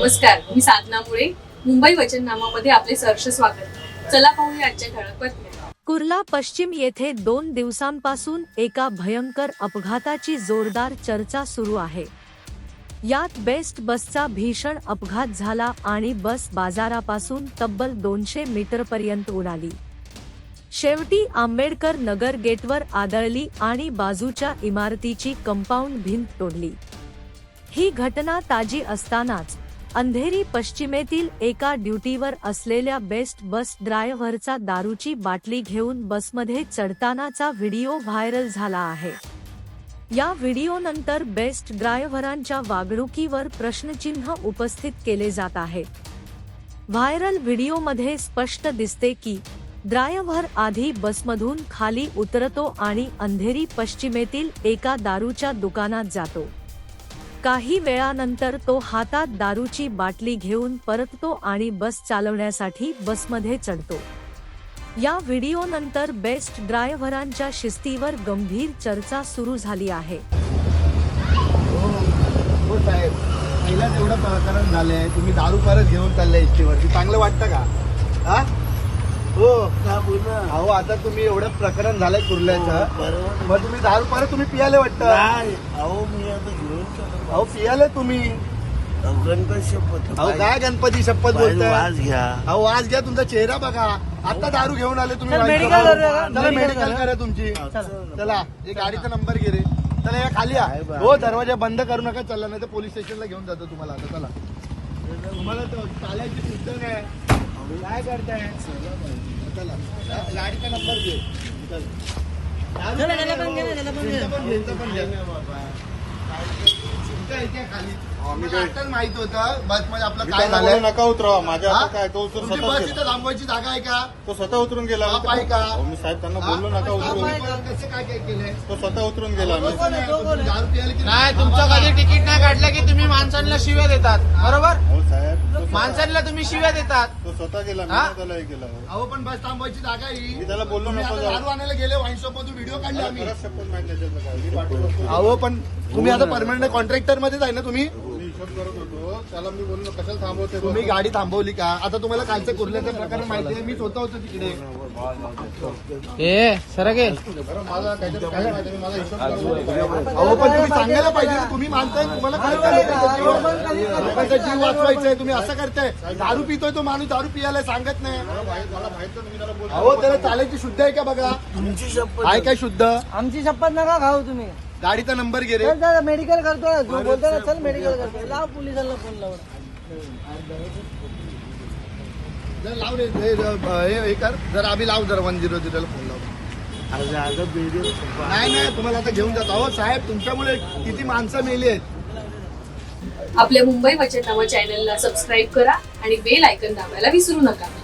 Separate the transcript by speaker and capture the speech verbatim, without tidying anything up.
Speaker 1: नमस्कार, मी साधना मुळे. मुंबई वचननामामध्ये आपले सहर्ष स्वागत. चला पाहूया आजच्या ठळक बातम्या.
Speaker 2: कुर्ला पश्चिम येथे दोन दिवसांपासून एका भयंकर अपघाताची जोरदार चर्चा सुरू आहे. यात बेस्ट बसचा भीषण अपघात झाला आणि बस बाजारापासून तब्बल दोनशे मीटरपर्यंत उडाली. शेवटी आंबेडकर नगर गेटवर आदळली आणि बाजूच्या इमारतीची कंपाऊंड भिंत तोडली. ही घटना ताजी असतानाच अंधेरी पश्चिमेतील एका ड्युटीवर असलेल्या बेस्ट बस ड्रायव्हरचा दारूची बाटली घेऊन बसमध्ये चढतानाचा व्हिडिओ व्हायरल झाला आहे. या व्हिडिओनंतर बेस्ट ड्रायव्हरांच्या वागणुकीवर प्रश्नचिन्ह उपस्थित केले जात आहे. व्हायरल व्हिडिओमध्ये स्पष्ट दिसते की ड्रायव्हर आधी बसमधून खाली उतरतो आणि अंधेरी पश्चिमेतील एका दारूच्या दुकानात जातो. काही वेळानंतर तो हातात दारूची बाटली घेऊन परततो आणि बस चालवण्यासाठी बसमध्ये चढतो. या व्हिडिओनंतर बेस्ट ड्रायव्हरांच्या शिस्तीवर गंभीर चर्चा सुरू झाली आहे.
Speaker 3: हो साहेब, पहिलाच एवढं प्रकरण झालंय, तुम्ही दारू परत घेऊन चालले एसटीवरती, चांगलं वाटतं का? हा हो अहो, आता तुम्ही एवढं प्रकरण झालंय कुर्ल्याचं, मग तुम्ही दारू परत तुम्ही पियाले वाटतं?
Speaker 4: अहो मी आता घेऊन
Speaker 3: अहो पियाले तुम्ही.
Speaker 4: गणपती शपथ.
Speaker 3: अहो काय गणपती शपथ बोलताय?
Speaker 4: वाज घ्या.
Speaker 3: अहो आज घ्या, तुमचा चेहरा बघा. आता दारू घेऊन आले तुम्ही.
Speaker 5: मेडिकल
Speaker 3: चला मेडिकल करा तुमची. चला हे गाडीचा नंबर घे रे. चला या खाली या. हो दरवाजा बंद करू नका. चला नाही तर पोलीस स्टेशनला घेऊन जातो तुम्हाला. आता चला, तुम्हाला चालायची सुद्धा नाही. काय करताय? चला गाडीचा नंबर घे. आताच माहित होतं बस मध्ये आपलं काय झालं.
Speaker 6: नका उतरवा माझ्या. आता काय तो उतरून
Speaker 3: तुमची
Speaker 6: स्वतः
Speaker 3: बस
Speaker 6: गेला.
Speaker 3: इथं थांबवायची जागा आहे का?
Speaker 6: तो स्वतः उतरून गेला.
Speaker 3: बाप आहे का?
Speaker 6: अहो, मी साहेब त्यांना बोललो नका उतरून.
Speaker 3: कसं काय काय केलंय?
Speaker 6: तो स्वतः उतरून गेला. मी
Speaker 3: दारू प्यायला की
Speaker 5: नाही, तुमचं कधी तिकीट नाही काढलं की तुम्ही माणसांना शिव्या देतात, बरोबर?
Speaker 6: हो साहेब, तो स्वतः-
Speaker 5: माणसांना तुम्ही शिव्या देतात.
Speaker 6: तो स्वतः गेला. मी
Speaker 5: हा?
Speaker 6: नाही त्याला हे केलं.
Speaker 3: अहो पण बस थांबवायची जागा आहे ही.
Speaker 6: मी त्याला बोललो
Speaker 3: तुम्ही
Speaker 6: नको
Speaker 3: आता
Speaker 6: जाऊ.
Speaker 3: दारू आणायला गेले वाईन शॉप मधून व्हिडिओ काढले
Speaker 6: मला
Speaker 3: आम्ही.
Speaker 6: खरंच शपथ माहिती नाही त्याच्यातलं काय. मी पाठवतो.
Speaker 3: अहो पण तुम्ही आता परमनंट कॉन्ट्रॅक्टर मध्येच आहे ना तुम्ही?
Speaker 6: मी हिशोब करत होतो. त्याला मी बोललो कशाला थांबवते.
Speaker 3: तुम्ही गाडी थांबवली का? आता तुम्हाला कालचं कुर्ल्याचं प्रकरण माहिती आहे. मी स्वतः होतो तिकडे.
Speaker 5: ए सरगे
Speaker 6: बरं, मला काहीतरी काय माहिती नाही. मला हिशोब करत होतो.
Speaker 3: अहो पण तुम्ही सांगायला पाहिजे ना. तुम्ही मानताय, तुम्हाला कळतं लोकांचा जीव- लोकांचा जीव वाचवायचा आहे. तुम्ही असं करताय. दारू पितोय तो माणूस, दारू पियाला सांगत नाही.
Speaker 6: मला माहित मला माहित नाही. मी त्याला बोललो.
Speaker 3: अहो त्याला चालायची शुद्ध आहे का बघा?
Speaker 4: तुमची शपथ.
Speaker 3: आहे काय शुद्ध?
Speaker 5: आमची शपथ नका खाऊ तुम्ही.
Speaker 3: गाडीचा नंबर घे रे.
Speaker 5: मेडिकल करतो ना, जो बोलतो ना चल मेडिकल करतो. लाव पोलिसांना फोन लाव.
Speaker 3: जर लाव रे. हे हे- हे कर जर आम्ही लाव जर वन झिरो झिरोला फोन लाव.
Speaker 4: आज आता व्हिडिओ
Speaker 3: नाही नाही तुम्हाला आता घेऊन जातो. अहो साहेब तुमच्यामुळे किती माणसं मेली आहेत.
Speaker 1: आपल्या मुंबई वचननामा चॅनलला सबस्क्राईब करा आणि बेल आयकॉन दाबायला विसरू नका.